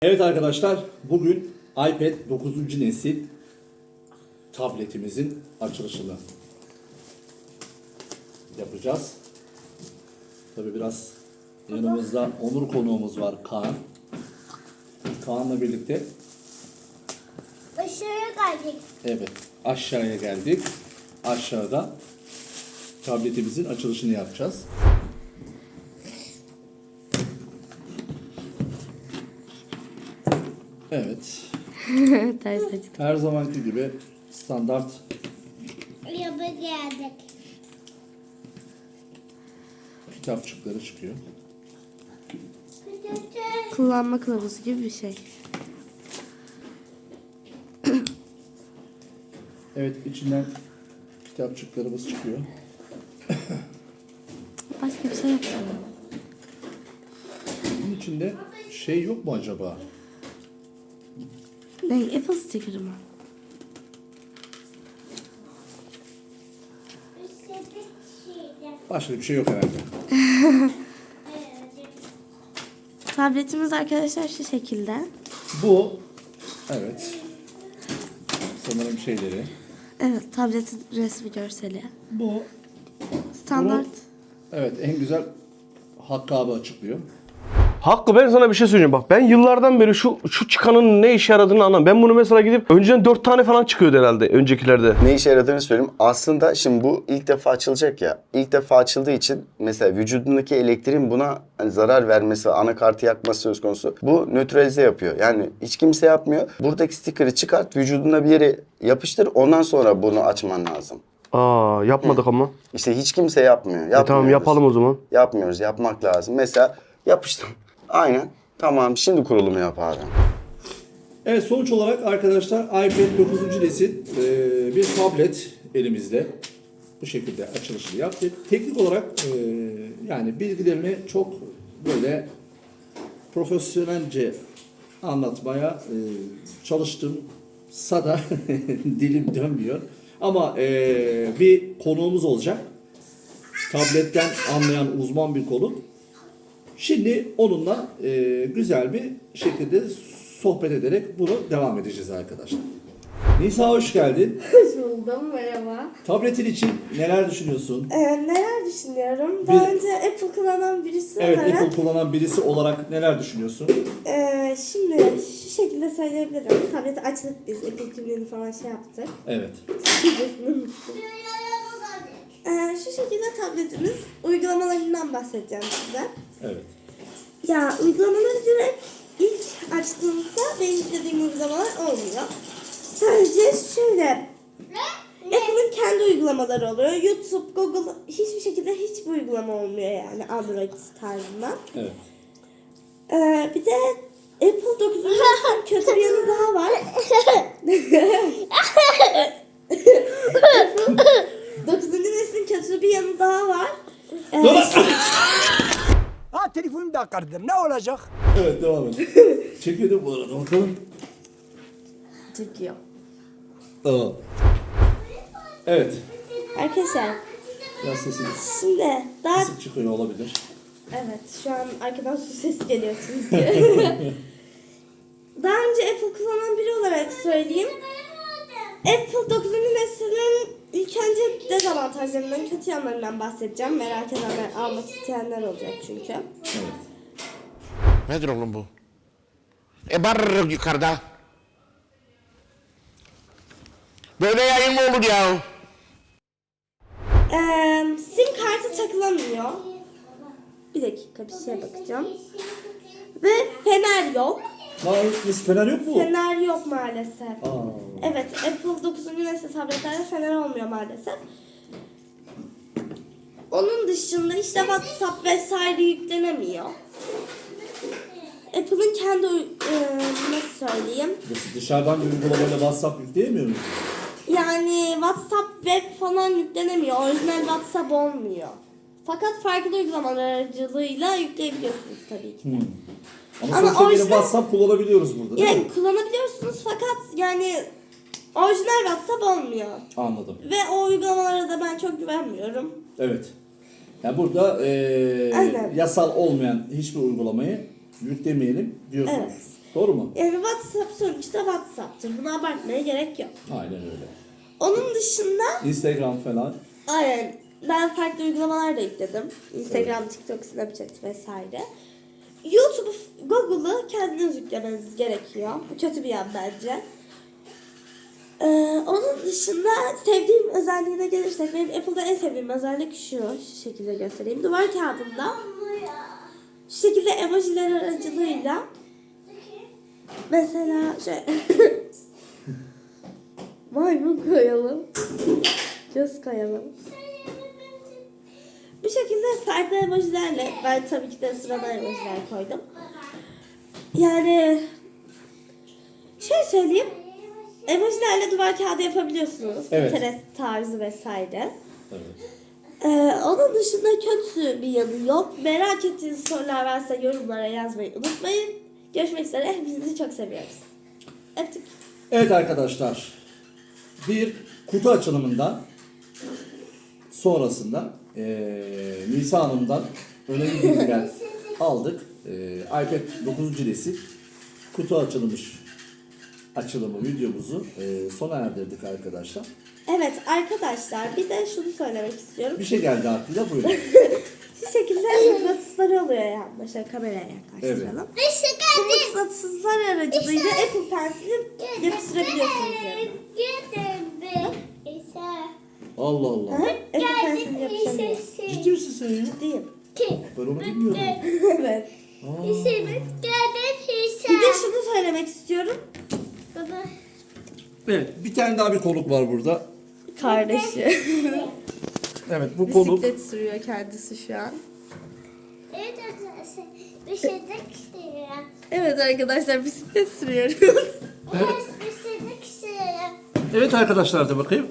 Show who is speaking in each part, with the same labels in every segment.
Speaker 1: Evet arkadaşlar, bugün iPad 9. nesil tabletimizin açılışını yapacağız. Tabii biraz yanımızda onur konuğumuz var, Kaan. Kaan'la birlikte
Speaker 2: Aşağıya geldik.
Speaker 1: evet aşağıya geldik. Aşağıda tabletimizin açılışını yapacağız. Evet.
Speaker 3: Ters açtım.
Speaker 1: Her zamanki gibi standart
Speaker 2: Yaba geldik.
Speaker 1: kitapçıkları çıkıyor.
Speaker 3: Kullanma kılavuzu gibi bir şey.
Speaker 1: Evet, içinden kitapçıklarımız çıkıyor.
Speaker 3: Başka bir şey yok.
Speaker 1: Bunun içinde şey yok mu acaba?
Speaker 3: Ne? Apple sticker mı?
Speaker 1: Başka bir şey yok herhalde.
Speaker 3: Tabletimiz arkadaşlar şu şekilde.
Speaker 1: Bu, evet. Sanırım şeyleri.
Speaker 3: Evet, tabletin resmi görseli.
Speaker 1: Bu,
Speaker 3: Standart.
Speaker 1: evet en güzel Hakkı abi açıklıyor.
Speaker 4: Hakkı, ben sana bir şey söyleyeceğim bak. Ben yıllardan beri şu çıkanın ne işe yaradığını anlamam. Ben bunu mesela gidip önceden 4 tane falan çıkıyordu herhalde öncekilerde.
Speaker 5: Ne işe yaradığını söyleyeyim. Aslında şimdi bu ilk defa açılacak ya. İlk defa açıldığı için mesela vücudundaki elektriğin buna hani zarar vermesi ve anakartı yakması söz konusu. Bu nötralize yapıyor. Yani hiç kimse yapmıyor. Buradaki stikeri çıkart, vücuduna bir yere yapıştır. Ondan sonra bunu açman lazım.
Speaker 4: Aa, yapmadık ama.
Speaker 5: İşte hiç kimse yapmıyor. Yapmıyoruz.
Speaker 4: Tamam, yapalım o zaman.
Speaker 5: Yapmıyoruz. Yapmak lazım. Mesela yapıştım. Aynen. Tamam. Şimdi kurulumu yap abi.
Speaker 1: Evet, sonuç olarak arkadaşlar iPad 9. nesil bir tablet elimizde. Bu şekilde açılışını yaptık. Teknik olarak yani bilgilerini çok böyle profesyonelce anlatmaya çalıştımsa da dilim dönmüyor. Ama bir konuğumuz olacak. Tabletten anlayan uzman bir konuk. Şimdi onunla güzel bir şekilde sohbet ederek bunu devam edeceğiz arkadaşlar. Nisa, hoş geldin.
Speaker 3: Hoş buldum, merhaba.
Speaker 1: Tabletin için neler düşünüyorsun?
Speaker 3: Neler düşünüyorum? Daha önce Apple kullanan birisi
Speaker 1: Evet,
Speaker 3: olarak...
Speaker 1: Apple kullanan birisi olarak neler düşünüyorsun?
Speaker 3: Şimdi şu şekilde söyleyebilirim. Tableti açtık biz, Apple kimliğini falan şey yaptık.
Speaker 1: Evet.
Speaker 3: Şu şekilde tabletimiz, uygulamalarından bahsedeceğim size.
Speaker 1: Evet.
Speaker 3: Ya uygulamaları direkt ilk açtığımızda benim yüklediğim uygulamalar olmuyor. Sadece şöyle Apple'ın kendi uygulamaları oluyor. YouTube, Google hiçbir şekilde hiçbir uygulama olmuyor yani Android tarzından.
Speaker 1: Evet.
Speaker 3: Bir de Apple 9. neslin kötü bir yanı daha var. Apple 9. neslin kötü bir yanı daha var.
Speaker 6: Ha telefonum da kırdım. Ne olacak?
Speaker 1: Evet, devam et. Çekiyordu bu arada, bakalım.
Speaker 3: Çekiyor.
Speaker 1: Tamam. Evet.
Speaker 3: Arkadaşlar
Speaker 1: Biraz sesiniz
Speaker 3: şimdi daha...
Speaker 1: kısık çıkıyor olabilir.
Speaker 3: Evet, şu an arkadan su sesi geliyor çünkü. Daha önce Apple kullanan biri olarak söyleyeyim. Apple 9. neslinin ilk önce dezavantajlarından, kötü yanlarından bahsedeceğim. Merak edenler, almak isteyenler olacak çünkü.
Speaker 1: Evet.
Speaker 7: Nedir oğlum bu? Var yukarıda. Böyle yayın mı olur ya?
Speaker 3: SIM kartı takılamıyor. Bir dakika, bir şeye bakacağım. Ve fener yok.
Speaker 1: Lan biz fener yok mu?
Speaker 3: Fener yok maalesef.
Speaker 1: Aa.
Speaker 3: Evet, Apple 9. nesil tabletlerde fener olmuyor maalesef. Onun dışında işte WhatsApp vesaire yüklenemiyor. Apple'ın kendi nasıl söyleyeyim?
Speaker 1: Dışarıdan bir uygulamayla WhatsApp yükleyemiyor muyuz?
Speaker 3: Yani WhatsApp web falan yüklenemiyor. Orijinal WhatsApp olmuyor. Fakat farklı uygulamalar aracılığıyla yükleyebiliyorsunuz tabii ki.
Speaker 1: Ama
Speaker 3: Ama
Speaker 1: sonuçta yine
Speaker 3: orijinal-
Speaker 1: WhatsApp kullanabiliyoruz burada, değil mi?
Speaker 3: Yani kullanabiliyorsunuz fakat yani orijinal WhatsApp olmuyor.
Speaker 1: Anladım.
Speaker 3: Ve o uygulamalara da ben çok güvenmiyorum.
Speaker 1: Evet. Yani burada
Speaker 3: Aynen.
Speaker 1: yasal olmayan hiçbir uygulamayı yüklemeyelim diyorsunuz.
Speaker 3: Evet.
Speaker 1: Doğru mu?
Speaker 3: Yani WhatsApp sonuçta WhatsApp'tır. Bunu abartmaya gerek yok.
Speaker 1: Aynen öyle.
Speaker 3: Onun dışında
Speaker 1: Instagram falan.
Speaker 3: aynen ben farklı uygulamalar da yükledim. Instagram, TikTok, Snapchat vesaire. YouTube, Google'ı kendiniz yüklemeniz gerekiyor. Bu kötü bir yan bence. Onun dışında sevdiğim özelliğine gelirsek benim Apple'da en sevdiğim özellik şu şekilde göstereyim. Duvar kağıdında şu şekilde emojiler aracılığıyla mesela şöyle maymun koyalım, göz koyalım. Bu şekilde farklı emojilerle ben tabii ki de sıradan emojiler koydum. Yani şey söyleyeyim. Emojilerle duvar kağıdı yapabiliyorsunuz.
Speaker 1: Evet.
Speaker 3: Pinterest tarzı vesaire.
Speaker 1: Evet.
Speaker 3: Onun dışında kötü bir yanı yok. Merak ettiğiniz sorular varsa yorumlara yazmayı unutmayın. Görüşmek üzere. Hepinizi çok seviyoruz. Öptük.
Speaker 1: Evet arkadaşlar. Bir kutu açılımından sonrasında Nisa Hanım'dan önemli bilgiler aldık. iPad 9. nesil kutu açılımı videomuzu sona erdirdik arkadaşlar.
Speaker 3: Evet arkadaşlar bir de şunu söylemek istiyorum.
Speaker 1: Bir şey geldi aklıyla, buyurun.
Speaker 3: Şu şekilde mıknatısları oluyor yani. Şöyle kameraya yaklaştıralım. Bu mıknatıslar aracılığıyla Apple Pencil'i yapıştırabiliyorsunuz yani.
Speaker 1: Allah Allah.
Speaker 3: Hı? Apple Pencil'i yapıştırabiliyor.
Speaker 1: Ciddi misin sen ya?
Speaker 3: Ciddiyim.
Speaker 1: Ben onu bilmiyordum.
Speaker 3: Evet.
Speaker 1: Aa,
Speaker 3: Bir de şunu söylemek istiyorum.
Speaker 1: evet, bir tane daha bir konuk var burada.
Speaker 3: Kardeşi.
Speaker 1: Evet, bu konuk
Speaker 3: Bisiklet sürüyor kendisi şu an. Evet arkadaşlar bisiklet sürüyoruz.
Speaker 1: evet arkadaşlar da bakayım.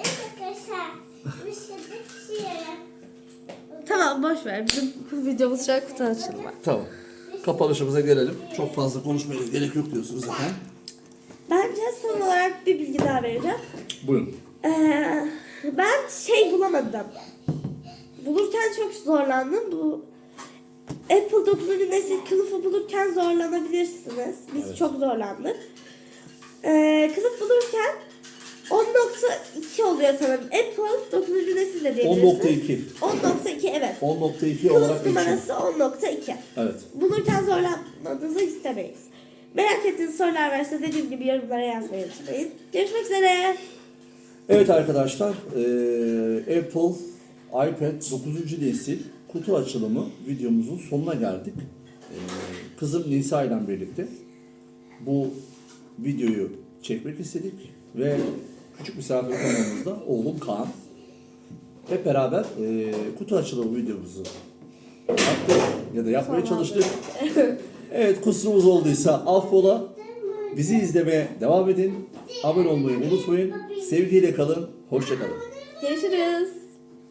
Speaker 3: Tamam boş ver. Bizim videomuz şu an kutu açılımı.
Speaker 1: Tamam. Kapanışımıza gelelim. Çok fazla konuşmaya gerek yok diyorsunuz efendim.
Speaker 3: Bence son olarak bir bilgi daha vereceğim.
Speaker 1: Buyurun.
Speaker 3: Ben şey bulamadım. Bulurken çok zorlandım. Bu Apple 9. nesil kılıfı bulurken zorlanabilirsiniz. Biz
Speaker 1: Evet.
Speaker 3: çok zorlandık. Kılıf bulurken 10.2 oluyor sanırım. Apple 9. nesil de diyebilirsiniz.
Speaker 1: 10.2.
Speaker 3: 10.2 evet.
Speaker 1: 10.2 olarak
Speaker 3: Kılıf
Speaker 1: geçiyor.
Speaker 3: numarası 10.2.
Speaker 1: Evet.
Speaker 3: Bulurken zorlanmanızı istemeyiz. Merak ettiğiniz sorular varsa dediğim gibi yorumlara yazmayı unutmayın. Görüşmek üzere.
Speaker 1: Evet arkadaşlar, Apple iPad 9. nesil kutu açılımı videomuzun sonuna geldik. Kızım Nisa ile birlikte bu videoyu çekmek istedik ve küçük misafir konuğumuzda oğlum Kaan. Hep beraber kutu açılımı videomuzu yaptık ya da yapmaya çalıştık. Evet, kusurumuz olduysa affola. Bizi izlemeye devam edin. Abone olmayı unutmayın. Sevgiyle kalın. Hoşça kalın.
Speaker 3: Görüşürüz.